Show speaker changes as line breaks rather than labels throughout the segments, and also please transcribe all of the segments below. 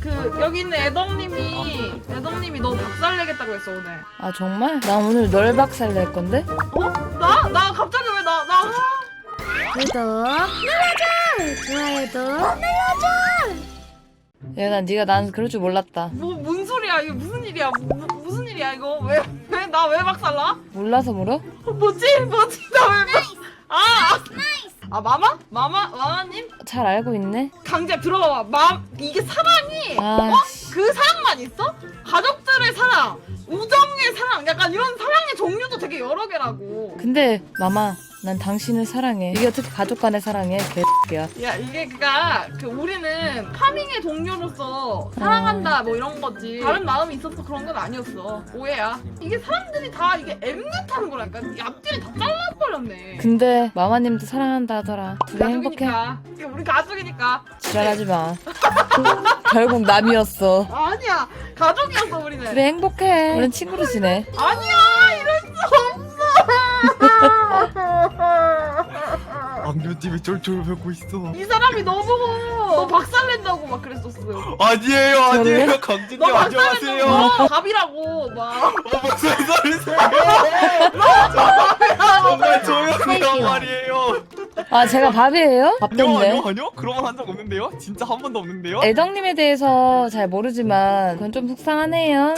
여기 있는 애덕님이 너 박살내겠다고 했어 오늘.
아 정말? 나 오늘 널 박살 낼 건데?
어? 나 갑자기 왜 나
구독 눌러줘. 좋아요도 눌러줘.
얘가 네가 난 그럴 줄 몰랐다.
뭔 소리야 이게 무슨 일이야 무슨 일이야 이거 왜 나 왜 박살나?
몰라서 물어?
뭐지 나 왜 마마님
잘 알고 있네.
강제 들어봐봐 이게 사랑이
아,
그 사랑만 있어? 가족들의 사랑 우정의 사랑 약간 이런 사랑의 종류도 되게 여러 개라고.
근데 마마, 난 당신을 사랑해. 이게 어떻게 가족 간의 사랑해? 개X야.
야 이게 우리는 파밍의 동료로서 사랑한다 뭐 이런 거지 다른 마음이 있어서 그런 건 아니었어. 오해야. 이게 사람들이 다 이게 엠넷하는 거라니까. 이 앞뒤를 다 잘라버렸네.
근데 마마님도 사랑한다 하더라. 둘이 행복해.
가족이니까. 이게 우리 가족이니까.
지랄하지 마. 결국 남이었어.
아니야 가족이었어 우리는.
그래 행복해. 우린 친구로 지내.
아니야 이럴 수 없어.
악녀님이 쫄쫄 뱉고 있어.
이 사람이 너 보고 너 박살낸다고 막 그랬었어요.
아니에요 강진님
너
안녕하세요.
박살낸다고 밥이라고 막.
무슨 소리세요? 정말 조용히란 말이에요.
아 제가 밥이에요? 밥던데.
아니요 그런 말 한 적 없는데요? 진짜 한 번도 없는데요?
애덕님에 대해서 잘 모르지만 그건 좀 속상하네요.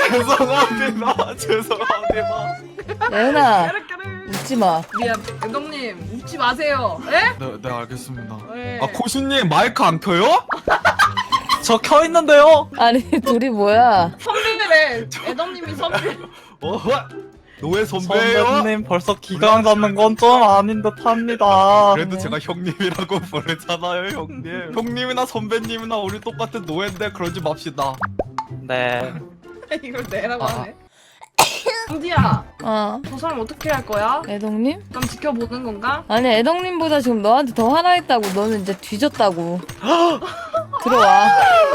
죄송합니다.
예은아
까르까르.
웃지 마.
미안 감독님 웃지 마세요. 에?
네 알겠습니다.
네.
아 코시님 마이크 안 켜요?
저 켜 있는데요.
아니 둘이 뭐야?
선배래. 애덕님이 선배.
노예 선배예요?
선배님 벌써 기강 잡는 건 좀 아닌 듯합니다.
그래도 제가 형님이라고 부르잖아요 형님. 형님이나 선배님이나 우리 똑같은 노예인데 그러지 맙시다.
네.
이걸 내라고 하네. 강지야,
어
저 사람 어떻게 할 거야?
애덕님?
그럼 지켜보는 건가?
아니 애덕님보다 지금 너한테 더 화나있다고. 너는 이제 뒤졌다고. 들어와.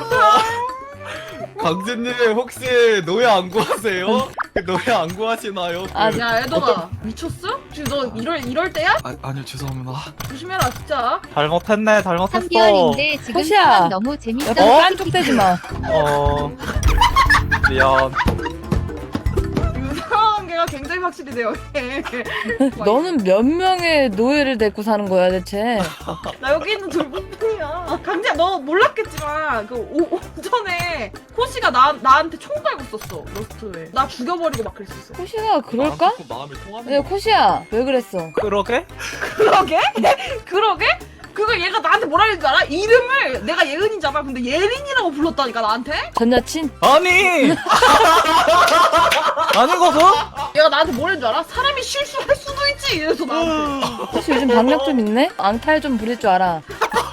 강진님 혹시 노예 안 구하세요? 노예 안 구하시나요?
아,
야, 애덕아, 미쳤어? 지금 너 이럴 때야?
아니요 죄송합니다.
조심해라, 진짜.
잘못했네. 잘못했어.
3개월인데 지금
호시야.
상황 너무 재밌어.
옆에 깐족대지 마.
미안.
유사한 게가 굉장히 확실히 돼요.
너는 몇 명의 노예를 데리고 사는 거야 대체?
나 여기 있는 둘뿐이야. 강지야, 너 몰랐겠지만 오전에 호시가 나한테 총 갈고 썼어. 러스트에. 나 죽여버리고 막 그랬었어.
코시가 그럴까?
마음이 통하는.
야 코시야 왜 그랬어?
그러게?
그러게? 그러게? 그거 얘가 나한테 뭐라 그랬는 줄 알아? 이름을 내가 예은이잖아. 근데 예린이라고 불렀다니까 나한테?
전 여친?
아니. 아니거든?
얘가 나한테 뭐라 했는 줄 알아? 사람이 실수할 수도 있지 이래서 나한테.
코시 요즘 박력 좀 있네? 앙탈 좀 부릴 줄 알아.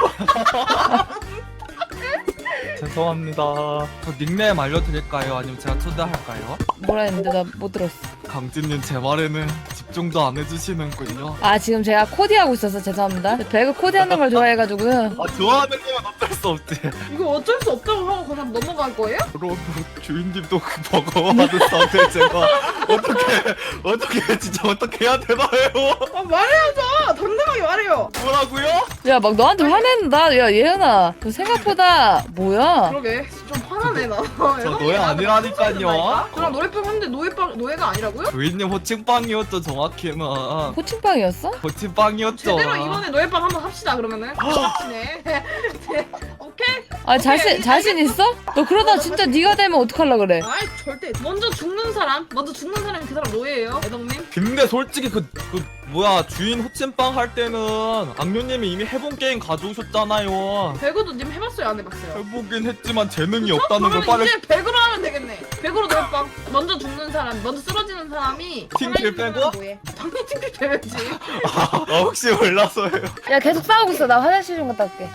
죄송합니다.
저 닉네임 알려드릴까요? 아니면 제가 초대할까요?
뭐라 했는데 나 못 들었어.
강진님 제 말에는 집중도 안 해주시는군요.
아 지금 제가 코디하고 있어서 죄송합니다. 배그 코디하는 걸 좋아해가지고요.
아 좋아하는 님은 어쩔 수 없지.
이거 어쩔 수 없다고 하고 그냥 넘어갈 거예요?
그럼 주인님도 그 버거워하는 상태 제가 어떻게 진짜 어떻게 해야 되나요?
아 말해야죠. 당당하게 말해요.
뭐라고요?
야 막 너한테 화낸다. 야 예은아 너 생각보다 뭐야?
그러게 좀 화나네 나.
저 노예 아니라니까요.
그럼 노래방 하는데 노예가 아니라고요?
주인님 호칭빵이었죠 정확히는.
호칭빵이었어?
호칭빵이었죠.
제대로 이번에 노예방 한번 합시다 그러면은. 그렇지네. 오케이?
아 자신 있어? 너 그러다 진짜 네가 되면 어떡할라 그래?
아이 절대. 먼저 죽는 사람이 그 사람 노예예요, 애덕님.
근데 솔직히 그 뭐야 주인 호칭빵 할 때는 악녀님이 이미 해본 게임 가져오셨잖아요.
배그도 님 해봤어요, 안 해봤어요?
해보긴 했지만 재능이 없다는 걸
그러면
빨리.
이제 배그로 하면 되겠네. 배그로 노예방. 먼저 죽는 사람, 먼저 쓰러지는 사람이
팀킬 빼고?
뭐해? 당연히 팀킬 빼야지.
혹시 몰라서요.
야 계속 싸우고 있어. 나 화장실 좀 갔다 올게.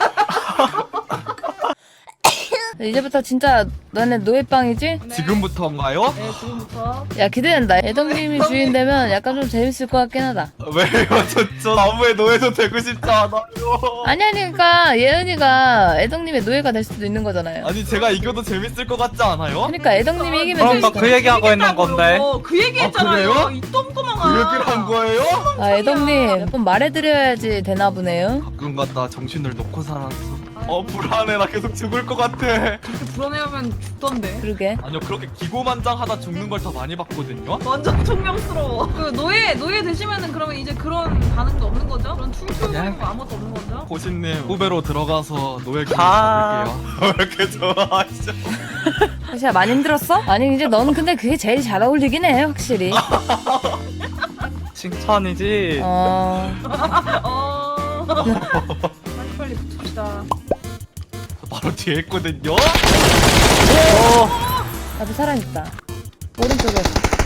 이제부터 진짜 너네 노예빵이지?
네.
지금부터인가요?
네, 지금부터.
야 기대된다. 애덕님이 주인 되면 약간 좀 재밌을 것 같긴 하다.
왜요? 저 나무의 노예도 되고 싶지 않아요.
아니 그러니까 예은이가 애덕님의 노예가 될 수도 있는 거잖아요.
아니 제가 이겨도 재밌을 것 같지 않아요?
그러니까 애덕님이 이기면
그럼 나
재밌어.
그 얘기하고 있는 건데.
그 얘기했잖아요.
아, 그래요?
이 똥구멍아.
그 얘기를 한 거예요?
아 애덕님 몇 번 말해드려야지 되나 보네요.
가끔 갔다 정신을 놓고 살았어. 불안해. 나 계속 죽을 것 같아.
그렇게 불안해하면 죽던데.
그러게.
아니요, 그렇게 기고만장하다 죽는 걸 더 많이 봤거든요.
완전 총명스러워. 그 노예 되시면은 그러면 이제 그런 반응도 없는 거죠? 그런 툴툴거리는 거 아무것도 없는 거죠?
고신님 후배로 들어가서 노예 기고
아.
잡을게요. 왜 이렇게 좋아하시죠?
사실 많이 힘들었어? 아니 이제 너는 근데 그게 제일 잘 어울리긴 해 확실히.
칭찬이지.
어. 빨리 붙읍시다.
바로 뒤에 있거든요.
앞에 사람 있다. 오른쪽에.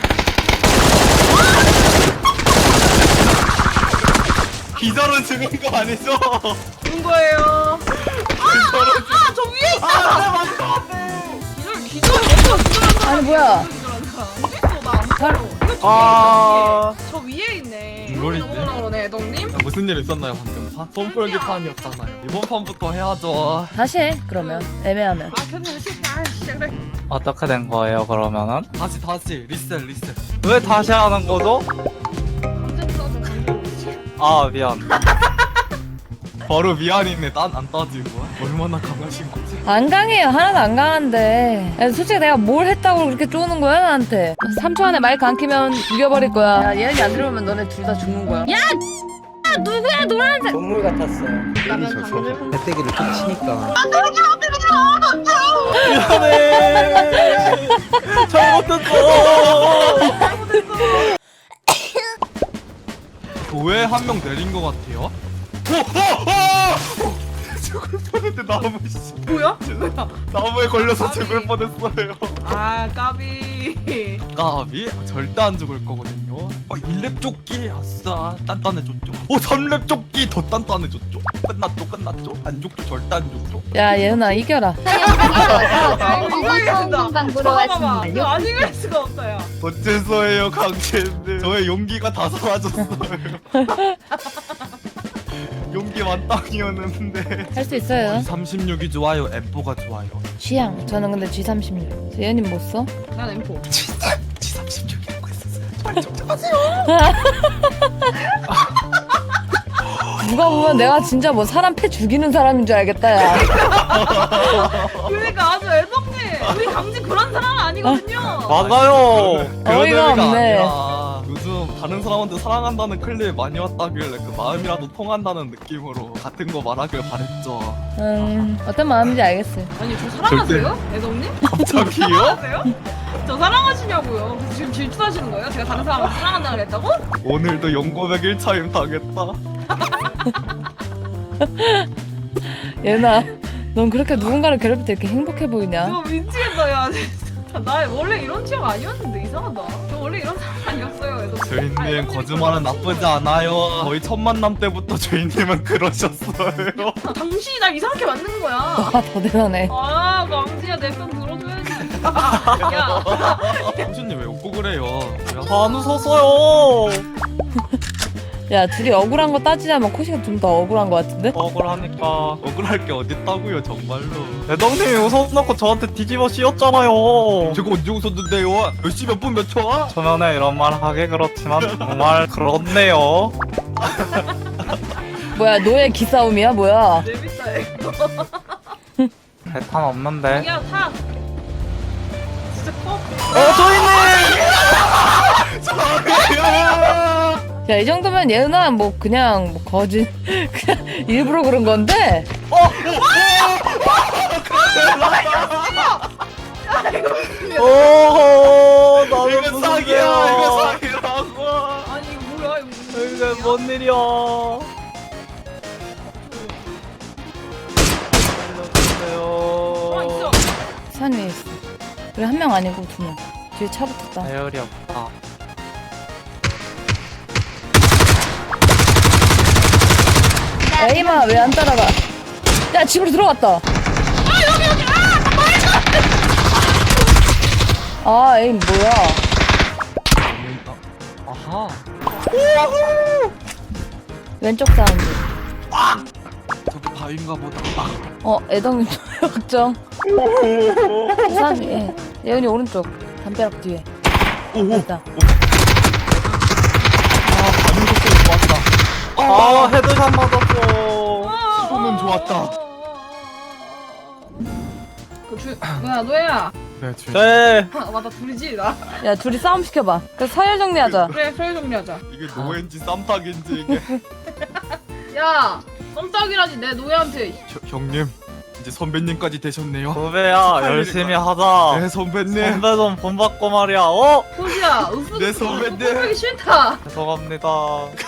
기절은 죽은 거 아니죠?
죽은 거예요. 저 위에 있다. 기절 먼저 기절한 사람.
아니, 뭐야.
기절한 사람. 어디 있어? 나안
살-
보여. 이거 저
아.
저 위에 있네.
이걸 있네.
넘어오라 그러네, 애덕님.
무슨 일 있었나요 방금? 손풀기판이었잖아요. 이번 판부터 해야죠.
다시 해 그러면 애매하면.
아, 괜찮아. 그래.
어떻게 된 거예요 그러면은?
다시 리셋.
왜 다시 하는 거죠?
감정 써서 감정.
아 미안.
바로 미안이네. 딴 안 따지고. 얼마나 강하신 거지?
안 강해요. 하나도 안 강한데. 야, 솔직히 내가 뭘 했다고 그렇게 쪼는 거야 나한테. 3초 안에 마이크 안 키면 죽여버릴 거야. 야, 예은이 안 들어오면 너네 둘 다 죽는 거야. 야! 누구야 노란색.
동물 같았어. 배때기를 툭 치니까.
미안해. 잘못했어.
교회 한 명 내린 것 같아요. 죽을 뻔했는데 나무 씨.
뭐야?
나무에 걸려서 죽을 뻔했어요.
아, 까비.
까비? 절대 안 죽을 거거든요. 1렙 조끼 아싸 단단해졌죠. 3렙 조끼 더 단단해졌죠. 끝났죠. 안 죽죠. 절대 안 죽죠.
야 예은아 이겨라.
방방 보러 왔습니다.
이거 안 이길 수가 없어요.
어째서예요 강채님. 저의 용기가 다 사라졌어요. 용기 만땅이었는데.
할 수 있어요.
36이 좋아요. M4가 좋아요.
취향. 저는 근데 G36. 예은님 뭐 써?
난 M4.
G36이라고 했었어요.
누가 보면 내가 진짜 뭐 사람 패 죽이는 사람인 줄 알겠다 야.
그러니까 아주 애덕님. 우리 강지 그런 사람은 아니거든요.
맞아요.
그런
어이가
의미가
없네.
아니라 요즘 다른 사람한테 사랑한다는 클립 많이 왔다길래 그 마음이라도 통한다는 느낌으로 같은 거 말하길 바랬죠.
어떤 마음인지 알겠어요.
아니, 저 사랑하세요? 애덕님?
갑자기요?
사랑하세요? 저 사랑하시냐고요. 지금 질투하시는 거예요? 제가 다른 사람을 사랑한다고 그랬다고?
오늘도 용고백 1차임 당했다.
예은아 넌 그렇게 누군가를 괴롭힐 때 이렇게 행복해 보이냐?
이거 미치겠다, 야. 진짜. 나 원래 이런 취향 아니었는데 이상하다. 저 원래 이런 사람 아니었어요, 애덕님.
주인님 거짓말은 나쁘지 않아요. 거의 첫 만남 때부터 주인님은 그러셨어요.
당신이 날 이상하게 만든 거야.
아 더 대단해.
아, 강지야, 내 편 들어줘야지. 야,
형수님 왜 웃고 그래요?
안 웃었어요.
야 둘이 억울한 거 따지자면 코시가 좀 더 억울한 거 같은데?
억울하니까.
억울할 게 어딨다고요 정말로.
애덕님이 웃어놓고 저한테 뒤집어 씌웠잖아요.
제가 언제 웃었는데요? 몇 시 몇 분 몇 초야?
초면에 이런 말 하기 그렇지만 정말 그렇네요.
뭐야 노예 기싸움이야 뭐야?
재밌다, 이거.
배탄 없는데.
야, 타. 진짜 커.
야 이 정도면 예은아 뭐 그냥 뭐 거짓 그냥 일부러 그런 건데.
오호 나도
이거 사기야. 이거 사기라고.
아니, 이거 뭐야, 이거.
이게 뭔 일이야.
아, 있어.
산 위에 있어. 그래 한 명 아니고 두 명. 뒤에 차 붙었다.
배열이 없다.
에이마 왜 안 따라가? 야 집으로 들어갔다. 아 에임 뭐야?
아하.
왼쪽 사운드.
저기 바위인가 보다.
애덕님 걱정. 산 위에. 예은이 오른쪽. 담벼락 뒤에.
오오.
됐다.
반응 속도 좋았다.
아 헤드샷 맞았어.
시도는 좋았다.
뭐야 노예야.
네 주인.
네.
아, 맞다 둘이지 나.
야 둘이 싸움 시켜봐. 그래서 서열 정리하자.
그래 서열 정리하자.
이게 노예인지 쌈탁인지 이게.
야 썸짝이라지 내 노예한테.
형님 이제 선배님까지 되셨네요.
후배야 열심히 하자.
네 선배님.
선배 좀 본받고 말이야. 어?
호시야 으쓱.
내 선배님.
하기 싫다.
죄송합니다.